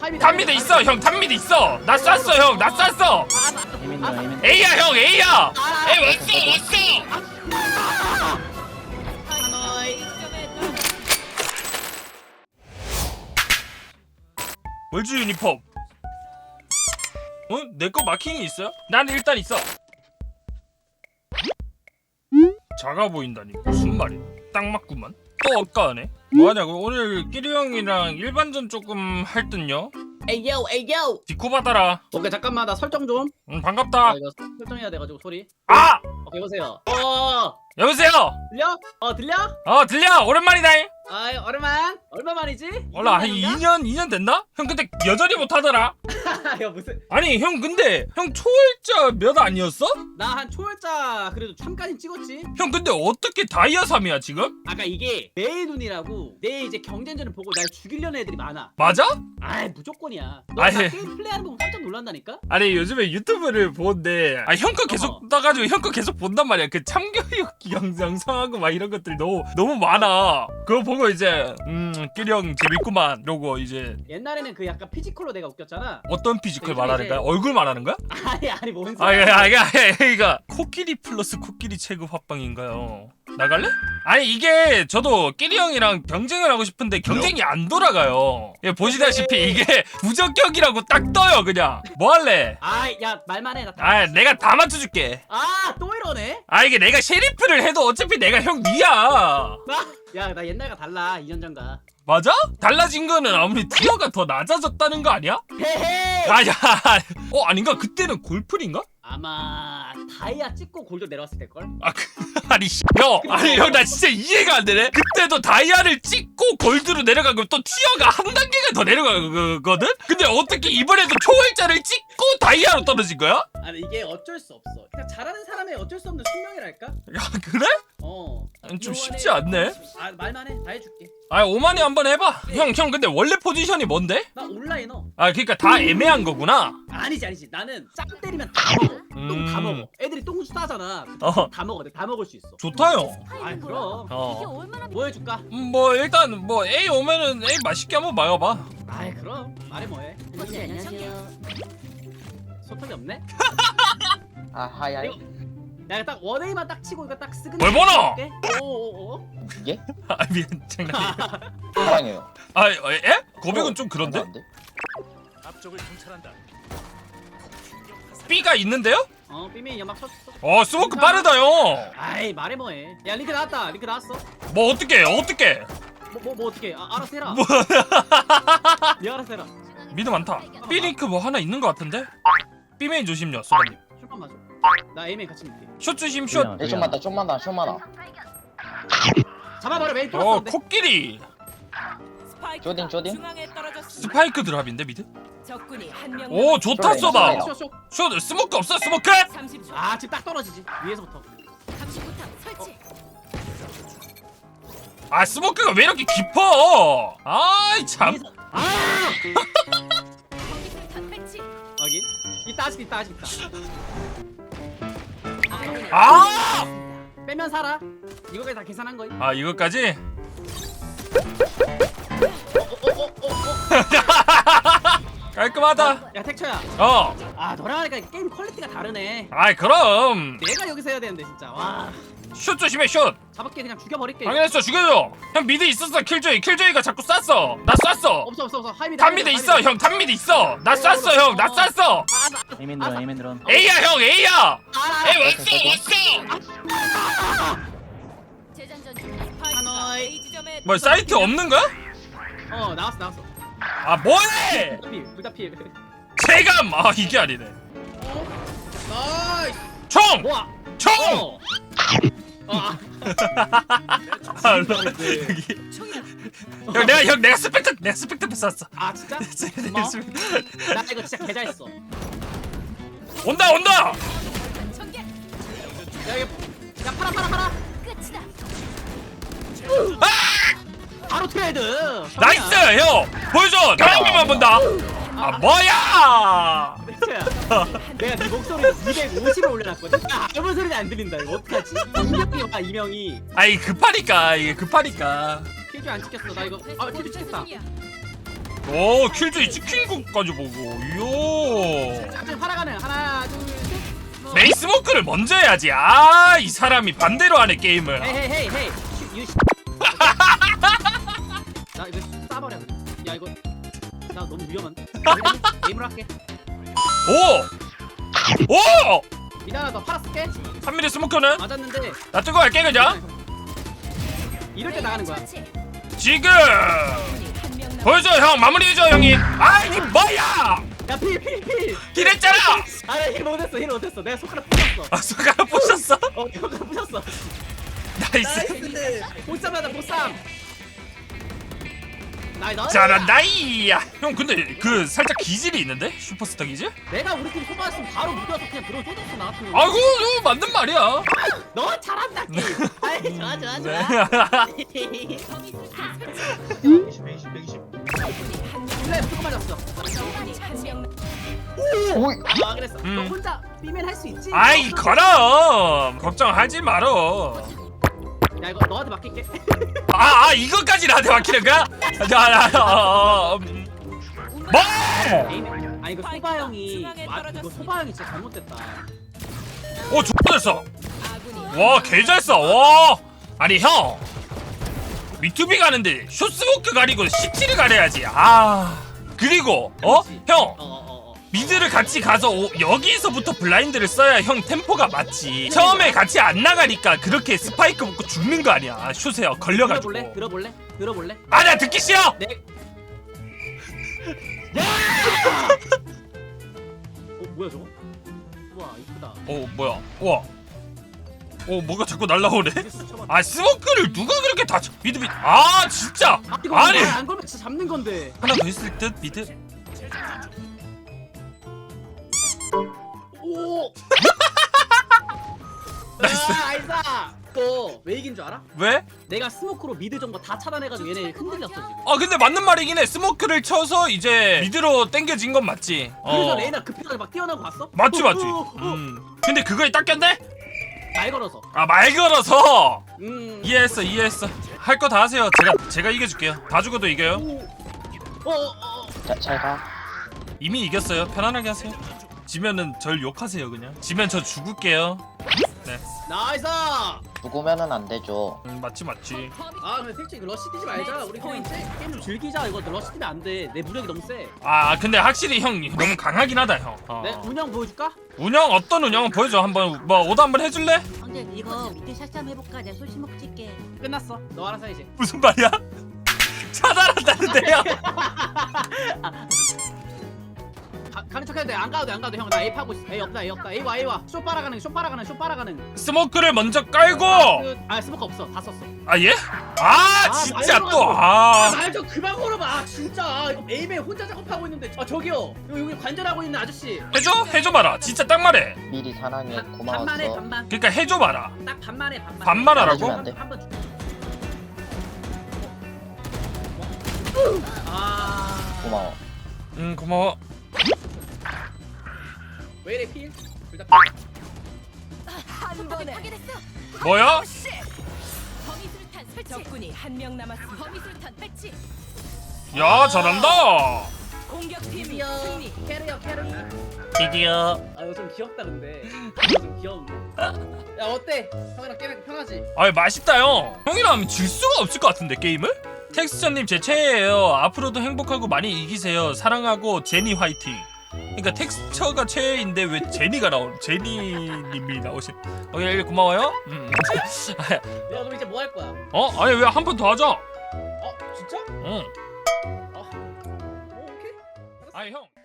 탑미드 있어 형. 탑미드 있어. 나 쐈어 형. 나 쐈어. A야 형. A야. A 왔어. 월주 유니폼. 내 거 마킹이 있어요? 나는 일단 있어. 작아 보인다니 무슨 말이야? 딱 맞구만. 또 엇가네. 뭐하냐고? 오늘 끼리 형이랑 일반전 조금 할 듯요? 에이요 에이요. 디코 받아라. 오케이 잠깐만 나 설정 좀. 반갑다. 이거 설정해야 돼가지고 소리. 아! 오케이 보세요. 여보세요? 들려? 들려? 들려. 오랜만이다. 아이 오랜만. 얼마 만이지? 몰라 한 2년 됐나? 형 근데 여전히 못하더라. 야 무슨? 아니 형 근데 형 초월자 몇 아니었어? 나 한 초월자 그래도 3까지 찍었지. 형 근데 어떻게 다이아 3이야 지금? 아까 이게 내 눈이라고 내 이제 경쟁전을 보고 날 죽이려는 애들이 많아. 맞아? 아이 무조건이야. 너 아이. 나 게임 플레이하는 거 보고 깜짝 놀란다니까? 아니 요즘에 유튜브를 보는데 형 거 계속 떠가지고 형 거 계속 본단 말이야. 그 참교육 영상하고 막 이런 것들이 너무 많아. 그거 보고 이제 끼리 형 재밌구만 이러고 이제 옛날에는 그 약간 피지컬로 내가 웃겼잖아. 어떤 피지컬 요즘에 말하는 거야? 이제- 얼굴 말하는 거야? 아니 뭔 소리야? 이거 코끼리 플러스 코끼리 체급 합방인가요? 나갈래? 아니 이게 저도 끼리 형이랑 경쟁을 하고 싶은데 경쟁이 안 돌아가요. 예, 보시다시피 이게 부적격이라고 딱 떠요 그냥. 뭐 할래? 야 말만 해. 나 내가 다 맞춰줄게. 또 이러네? 이게 내가 셰리프를 해도 어차피 내가 형 니야. 나 옛날과 달라 2년 전과. 맞아? 달라진 거는 아무리 티어가 더 낮아졌다는 거 아니야? 헤헤. 아닌가? 그때는 골프인가? 아마 다이아 찍고 골드 내려왔을 때걸? 형 나 진짜 이해가 안 되네. 그때도 다이아를 찍고 골드로 내려가고 또 티어가 한 단계가 더 내려가거든? 근데 어떻게 이번에도 초월자를 찍고 다이아로 떨어진 거야? 아니 이게 어쩔 수 없어. 그냥 잘하는 사람의 어쩔 수 없는 숙명이랄까? 야 그래? 좀 쉽지 않네. 말만 해. 다 해줄게. 오만이 한번 해봐. 형 근데 원래 포지션이 뭔데? 나 온라이너. 그러니까 다 애매한 거구나. 아니지. 나는 짱 때리면 다 먹어. 똥 다 먹어. 애들이 똥 싸잖아. 다 먹어. 다 먹을 수 있어. 좋다요. 그럼. 뭐 해줄까? 뭐 일단 뭐 A 오면은 A 맛있게 한번 막아봐. 그럼. 말해 뭐해. 안녕하세요. 소통이 없네? 하야. 이거 내가 딱 원웨이만 딱 치고 이거 딱 쓰근. 뭘 보노? 오오오. 이게? 미안 장난이야. 사랑해요. 에? 고백은 좀 그런데? 안 돼? 앞쪽을 통찰한다. B가 있는데요? 삐미 연막 쳤어. 스모크 빠르다요. 말해 뭐해. 야 링크 나왔다. 링크 나왔어. 뭐 어떻게? 뭐 어떻게? 알아서 해라. 네 알아서 해라. 미드 많다. B 링크 뭐 하나 있는 것 같은데? B 메인 조심요, 소바님. 슛만 맞아. 나 A맨 같이 밀게. 숏 조심 숏. 좀 많다. 좀 많아. 잡아버려 메인 뚫었어. 코끼리. 쇼딘. 스파이크 드랍인데 미드? 적군이 한 명. 오 좋다 쇼네, 쏘다. 쇼네. 숏 스모크 없어 스모크? 30초. 지금 딱 떨어지지. 위에서부터. 39탑 설치. 스모크가 왜 이렇게 깊어? 참. 위에서. 전기술탄 배치. 여기. 있다 아직 있다. 빼면 살아. 이거까지 다 계산한 거임. 이거까지? 깔끔하다. 야 택초야. 너랑 하니까 게임 퀄리티가 다르네. 그럼. 내가 여기서 해야 되는데 진짜. 와. 숏 조심해 숏. 잡을게 그냥 죽여버릴게. 당연했어 죽여줘. 형 미드 있었어 킬조이가 자꾸 쐈어. 나 쐈어. 없어. 하이미드. 탑미드 있어 형. 탑미드 있어. 나 쐈어 형. 나 쐈어. 에이맨 드론. A야 형 A야. A 왔어. 재장전 중. 하노이. A 지점에 뭐 사이트 없는 거야? 나왔어. 뭐해? 둘다 필. 체감. 이게 아니네. 나이스. 총. 뭐야? 총. 형 내가 스펙터 쐈어. 진짜? 고마워. 나 이거 진짜 개 잘했어. 온다. 전개. 야 이거 야 팔아. 끝이다. 바로 트레이드. 나이스 형. 보여줘. 다른 번만 본다. 뭐야? 내가 네 목소리를 250을 올려놨거든. 아무 소리도 안 들린다. 이거 어떡하지? 이명이 봐 이명이. 이게 급하니까. 킬줄 안 찍혔어. 나 이거 킬줄 찍혔다. 오 킬조이 찍힌 것까지 보고 이요. 앞에 팔아가는 하나 둘 셋. 메이 스모크를 먼저 해야지. 아 이 사람이 반대로 하네 게임을. 헤이 유 나 이거 싸버려. 야 이거 나 너무 위험한데. 게임을 할게. 오! 오! 미드 하나 더 팔았을게. 3mm 스모크는 맞았는데 나 뜨거 갈게 그냥. 이럴 때 나가는 거야. 처치. 지금 적군이 한명 남았. 보여줘 형 마무리해줘 형이. 아 이게 뭐야? 야필 기랬잖아. 아힐 못했어 내가 손가락 부셨어. 아 손가락 부셨어? 손가락 부셨어. 나이스. 보쌈하다 보쌈. 나이스. 잘한다이야. 형 근데 그 살짝 기질이 있는데 슈퍼스타 기질? 내가 우리 팀 소바였으면 바로 묶어서 그냥 들어 쏟았어 나 같은 거. 아이고 이거 맞는 말이야. 너 잘한다 게임. 아이 좋아 네. 플레이 무조건 맞았어. 적군이 한명 남. 오이. 아 그랬어. 너 혼자 비면 할 수 있지. 아이 그럼 걱정하지 말어. 야 이거 너한테 맡길게. 아 이거까지 나한테 맡기는 거야? 뭐? 아 이거 소바 형이 이거 소바 형이 진짜 잘못됐다. 오 좋됐어. 아군이 와 개잘 써. 와 아니 형 미투비 가는데 숏스모크 가리고 CT를 가려야지. 아 그리고 형 미드를 같이 가서 여기서부터 블라인드를 써야 형 템포가 맞지. 처음에 같이 안 나가니까 그렇게 스파이크 먹고 죽는 거 아니야. 숏에 걸려가지고. 들어볼래? 아 나 듣기 싫어. 네. 야! 뭐야 저거? 우와 이쁘다. 뭐야? 우와. 뭐가 자꾸 날라오네. 아 스모크를 누가 그렇게 다 미드. 아 진짜. 이거 아니 안 걸면 진짜 잡는 건데. 하나 더 있을 듯 미드. 오. 나이스. 아이사. 또 왜 이긴 줄 알아? 왜? 내가 스모크로 미드 정보 다 차단해가지고 얘네 흔들렸어 지금. 아 근데 맞는 말이긴 해. 스모크를 쳐서 이제 미드로 땡겨진 건 맞지. 그래서 레이나 급해가지고 막 뛰어나고 갔어? 맞지. 근데 그거에 딱 꼈네? 말 걸어서. 아 말 걸어서. 음. 이해했어. 할 거 다 하세요. 제가 이겨줄게요. 다 죽어도 이겨요. 잘 가. 이미 이겼어요. 편안하게 하세요. 지면은 절 욕하세요 그냥. 지면 저 죽을게요. 네. 나이스. 죽으면은 안 되죠. 맞지. 아 근데 솔직히 이거 러시 뛰지 말자. 우리 그냥 게임 좀 즐기자. 이거 러시 뛰면 안 돼. 내 무력이 너무 세. 아 근데 확실히 형 너무 강하긴 하다 형. 내 운영 보여줄까? 운영 어떤 운영은 보여줘. 한번 뭐 오더 한번 해줄래? 근데 이거 밑에 샷잠 해볼까? 내가 소시먹 찍게. 끝났어. 너 알아서 해 이제. 무슨 말이야? 차단한다는데요? 가는 척해도 돼. 안 가도 돼. 형 나 A 파고 있어. A 없다. A 와. 쇼 빨아가는. 스모크를 먼저 깔고. 스모크 없어. 다 썼어. 아 예? 아 진짜 말 또 아. 말 좀 그만 걸어봐. 진짜 이거 A배 혼자 작업하고 있는데. 아 저기요. 여기 관절하고 있는 아저씨. 해줘봐라. 진짜 딱 말해. 미리 사랑해. 고마웠어. 반만해 반만. 그러니까 해줘봐라. 딱 반만해 반만. 반말하라고? 안 돼. 한번 줄. 아. 고마워. 고마워. 왜 이래 필? 둘다 한 번에 파괴됐어. 뭐야? 범위술탄 설치. 적군이 한명 남았습니다. 범위술탄 배치. 야 잘한다. 공격팀 드디어 승리. 캐리어. 드디어. 아 이거 좀 귀엽다 근데. 이거 좀 귀여운데. 야 어때? 형이랑 게임 편하지? 아 맛있다 형. 형이랑 하면 질 수가 없을 것 같은데 게임을? 텍스처님 제 최애예요. 앞으로도 행복하고 많이 이기세요. 사랑하고 제니 화이팅. 그러니까 텍스처가 최애인데 왜 제니가 제니님이 나오신? 예, 고마워요. 야 그럼 이제 뭐 할 거야? 아니 왜 한 판 더 하자. 진짜? 응. 오케이. 아니 형.